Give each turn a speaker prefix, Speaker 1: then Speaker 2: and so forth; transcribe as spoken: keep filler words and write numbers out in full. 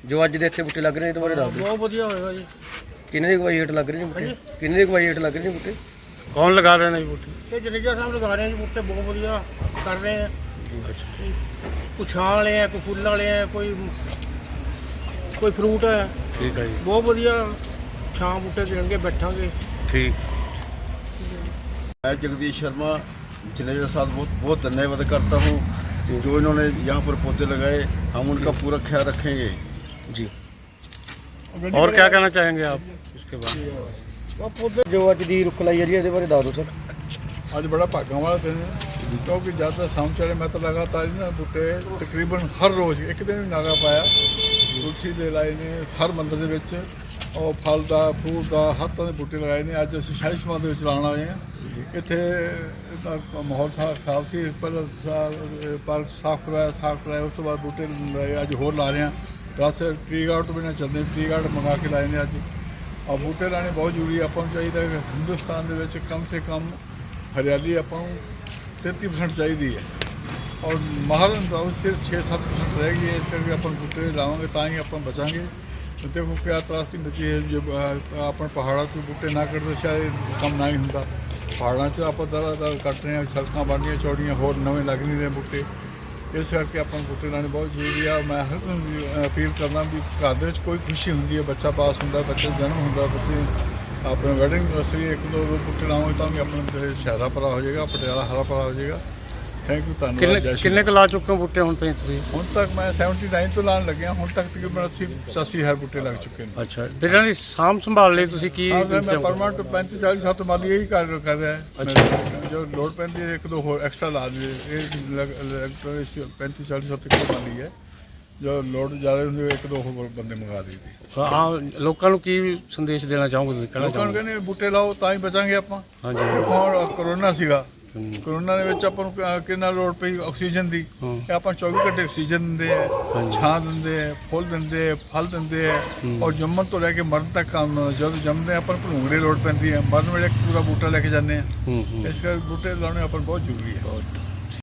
Speaker 1: ਜੋ ਅੱਜ ਦੇ ਇੱਥੇ ਬੂਟੇ ਲੱਗ ਰਹੇ ਨੇ ਤੁਹਾਡੇ ਦੱਸ ਦਿਓ।
Speaker 2: ਬਹੁਤ ਵਧੀਆ ਹੋਏਗਾ ਜੀ।
Speaker 1: ਕਿੰਨੇ ਦੀ ਕਮਾਈ ਹੇਠ ਲੱਗ ਰਹੇ ਨੇ ਬੂਟੇ? ਕਿੰਨੇ ਦੀ ਕਮਾਈ ਹੇਠ ਲੱਗ ਰਹੇ ਨੇ ਬੂਟੇ?
Speaker 2: ਕੌਣ ਲਗਾ ਰਹੇ ਨੇ ਜੀ ਬੂਟੇ? ਇਹ ਜਨੇਜਾ ਸਾਹਿਬ ਲਗਾ ਰਹੇ ਨੇ ਜੀ ਬੂਟੇ, ਬਹੁਤ ਵਧੀਆ ਕਰ ਰਹੇ ਆ। ਕੋਈ ਛਾਂ ਵਾਲੇ ਆ, ਕੋਈ ਫੁੱਲ ਵਾਲੇ ਆ, ਕੋਈ ਕੋਈ ਫਰੂਟ ਹੈ।
Speaker 1: ਠੀਕ ਹੈ ਜੀ,
Speaker 2: ਬਹੁਤ ਵਧੀਆ ਛਾਂ ਬੂਟੇ ਦੇਣਗੇ, ਬੈਠਾਂਗੇ।
Speaker 1: ठीक।
Speaker 3: मैं जगदीश शर्मा जनेजा साहब बहुत बहुत धन्यवाद करता हूँ जो इन्होंने यहाँ पर पौधे लगाए, हम उनका पूरा ख्याल रखेंगे
Speaker 1: जी।
Speaker 2: और क्या कहना चाहेंगे आप इसके बाद?
Speaker 1: जो अज दी रुख लाई जा रही है ਇਹਦੇ ਬਾਰੇ ਦੱਸ ਦਿਓ ਸਰ।
Speaker 4: ਅੱਜ ਬੜਾ ਭਾਗਾਂ ਵਾਲਾ ਦਿਨ ਹੈ ਕਿਉਂਕਿ ਜਦ ਦਾ ਸਾਉਣ ਚੜੇ ਮੈਂ ਤਾਂ ਲਗਾਤਾਰ ਇਹਨਾਂ ਬੂਟੇ ਤਕਰੀਬਨ ਹਰ ਰੋਜ਼ ਇੱਕ ਦਿਨ ਵੀ ਨਾਗਾ ਪਾਇਆ, ਤੁਲਸੀ ਦੇ ਲਾਏ ਨੇ ਹਰ ਮੰਦਰ ਦੇ ਵਿੱਚ, ਉਹ ਫਲ ਦਾ ਫਰੂਟ ਦਾ ਹਰ ਤਰ੍ਹਾਂ ਦੇ ਬੂਟੇ ਲਗਾਏ ਨੇ। ਅੱਜ ਅਸੀਂ ਸ਼ਾਹੀ ਸਮਾਜ ਦੇ ਵਿੱਚ ਲਾਉਣ ਆਏ ਹਾਂ। ਇੱਥੇ ਦਾ ਮਾਹੌਲ ਖਰਾਬ ਸੀ, ਪਹਿਲਾਂ ਪਾਰਕ ਸਾਫ਼ ਕਰਵਾਇਆ ਸਾਫ਼ ਕਰਵਾਇਆ ਉਸ ਤੋਂ ਬਾਅਦ ਬੂਟੇ ਲਾਏ, ਅੱਜ ਹੋਰ ਲਾ ਰਹੇ ਹਾਂ। ਦਸ ਟਰੀ ਗਾਰਡ ਤੋਂ ਬਿਨਾਂ ਚੱਲਦੇ, ਟਰੀ ਗਾਰਡ ਮੰਗਾ ਕੇ ਲਾਏ ਨੇ ਅੱਜ। ਆ ਬੂਟੇ ਲਾਣੇ ਬਹੁਤ ਜ਼ਰੂਰੀ, ਆਪਾਂ ਨੂੰ ਚਾਹੀਦਾ ਕਿ ਹਿੰਦੁਸਤਾਨ ਦੇ ਵਿੱਚ ਕਮ ਸੇ ਕਮ ਹਰਿਆਲੀ ਆਪਾਂ ਨੂੰ ਤੇਤੀ ਪਰਸੈਂਟ ਚਾਹੀਦੀ ਹੈ ਔਰ ਮਾਹਰ ਸਿਰਫ ਛੇ ਸੱਤ ਪਰਸੈਂਟ ਰਹਿ ਗਈ ਹੈ। ਇਸ ਕਰਕੇ ਆਪਾਂ ਬੂਟੇ ਲਾਵਾਂਗੇ ਤਾਂ ਹੀ ਆਪਾਂ ਬਚਾਂਗੇ। ਦੇਖੋ ਕਿਆ ਤਰਾਸਦੀ ਮਚੀ ਹੈ, ਜੇ ਆਪਾਂ ਪਹਾੜਾਂ ਤੋਂ ਬੂਟੇ ਨਾ ਕੱਟਦੇ ਸ਼ਾਇਦ ਕੰਮ ਨਾ ਹੀ ਹੁੰਦਾ। ਪਹਾੜਾਂ 'ਚ ਆਪਾਂ ਦਰ ਦਰ ਕੱਟ ਰਹੇ ਹਾਂ, ਸੜਕਾਂ ਬਣਨੀਆਂ ਚੌੜੀਆਂ, ਹੋਰ ਨਵੇਂ ਲੱਗ ਨਹੀਂ ਰਹੇ ਬੂਟੇ। ਇਸ ਕਰਕੇ ਆਪਾਂ ਨੂੰ ਬੂਟੇ ਲਾਉਣੇ ਬਹੁਤ ਜ਼ਰੂਰੀ ਆ। ਮੈਂ ਹਰ ਨੂੰ ਅਪੀਲ ਕਰਦਾ ਵੀ ਘਰ ਦੇ ਵਿੱਚ ਕੋਈ ਖੁਸ਼ੀ ਹੁੰਦੀ ਹੈ, ਬੱਚਾ ਪਾਸ ਹੁੰਦਾ, ਬੱਚੇ ਦਾ ਜਨਮ ਹੁੰਦਾ, ਬੱਚੇ ਆਪਣੇ ਵੈਡਿੰਗ ਐਨਵਰਸਰੀ ਇੱਕ ਦੋ ਬੂਟੇ ਲਾਵਾਂਗੇ ਤਾਂ ਵੀ ਆਪਣਾ ਸ਼ਹਿਰਾ ਭਰਾ ਹੋ ਜਾਏਗਾ, ਪਟਿਆਲਾ ਹਰਾ ਭਰਾ ਹੋ ਜਾਏਗਾ। ਥੈਂਕ ਯੂ, ਧੰਨਵਾਦ। ਜੈ ਸ਼੍ਰੀ
Speaker 1: ਕਿੰਨੇ ਕੁ ਲਾ ਚੁੱਕੇ ਹੋ ਬੂਟੇ ਹੁਣ ਤਾਈਂ ਤੁਸੀਂ?
Speaker 4: ਹੁਣ ਤੱਕ ਮੈਂ ਉਣੱਤਰ ਤੋਂ ਲਾਉਣ ਲੱਗਿਆ, ਹੁਣ ਤੱਕ ਤਕਰੀਬਨ ਅੱਸੀ ਪਚਾਸੀ ਹਜ਼ਾਰ ਬੂਟੇ ਲੱਗ ਚੁੱਕੇ ਨੇ।
Speaker 1: ਅੱਛਾ, ਫਿਰ ਇਹਨਾਂ ਦੀ ਸਾਂਭ ਸੰਭਾਲ ਲਈ ਤੁਸੀਂ ਕੀ?
Speaker 4: ਹਾਂ, ਮੈਂ ਪਰਮਾਨੈਂਟ ਪੈਂਤੀ ਚਾਲੀ ਸਾਲ ਤੋਂ ਮਾਲੀ ਇਹੀ ਕਰ ਕਰ ਰਿਹਾ ਹੈ।
Speaker 1: ਅੱਛਾ।
Speaker 4: ਜੋ ਲੋੜ ਪੈਂਦੀ ਹੈ ਇੱਕ ਦੋ ਹੋਰ ਐਕਸਟਰਾ ਲਾ ਦੇ, ਇਹ ਪੈਂਤੀ ਚਾਲੀ ਸਾਲ ਤੱਕ ਮਾਲੀ ਹੈ। ਜੋ ਲੋੜ ਜ਼ਿਆਦਾ ਹੁੰਦੀ ਇੱਕ ਦੋ ਹੋਰ ਬੰਦੇ ਮੰਗਾ ਦਈਦੇ।
Speaker 1: ਹਾਂ, ਲੋਕਾਂ ਨੂੰ ਕੀ ਸੰਦੇਸ਼ ਦੇਣਾ ਚਾਹੋਗੇ ਤੁਸੀਂ? ਕਹਿਣਾ
Speaker 4: ਲੋਕਾਂ ਨੂੰ
Speaker 1: ਚਾਹੋਗੇ?
Speaker 4: ਕਹਿੰਦੇ ਬੂਟੇ ਲਾਓ ਤਾਂ ਹੀ ਬਚਾਂਗੇ ਆਪਾਂ।
Speaker 1: ਹਾਂਜੀ।
Speaker 4: ਹੁਣ ਕਰੋਨਾ ਸੀਗਾ, ਕਰੋਨਾ ਦੇ ਵਿੱਚ ਆਪਾਂ ਨੂੰ ਕਿੰਨਾ ਲੋੜ ਪਈ ਆਕਸੀਜਨ ਦੀ। ਇਹ ਆਪਾਂ ਚੌਵੀ ਘੰਟੇ ਆਕਸੀਜਨ ਦਿੰਦੇ ਆ, ਛਾਂ ਦਿੰਦੇ ਆ, ਫੁੱਲ ਦਿੰਦੇ ਆ, ਫਲ ਦਿੰਦੇ ਆ ਔਰ ਜੰਮਣ ਤੋਂ ਲੈ ਕੇ ਮਰਨ ਤੱਕ ਕੰਮ। ਜਦੋਂ ਜੰਮਦੇ ਆਪਾਂ ਨੂੰ ਭਲੂੰਗੜੇ ਲੋੜ ਪੈਂਦੀ ਹੈ, ਮਰਨ ਵੇਲੇ ਪੂਰਾ ਬੂਟਾ ਲੈ ਕੇ ਜਾਂਦੇ ਆ। ਇਸ ਕਰਕੇ ਬੂਟੇ ਲਾਉਣੇ ਆਪਾਂ ਨੂੰ ਬਹੁਤ ਜ਼ਰੂਰੀ ਹੈ।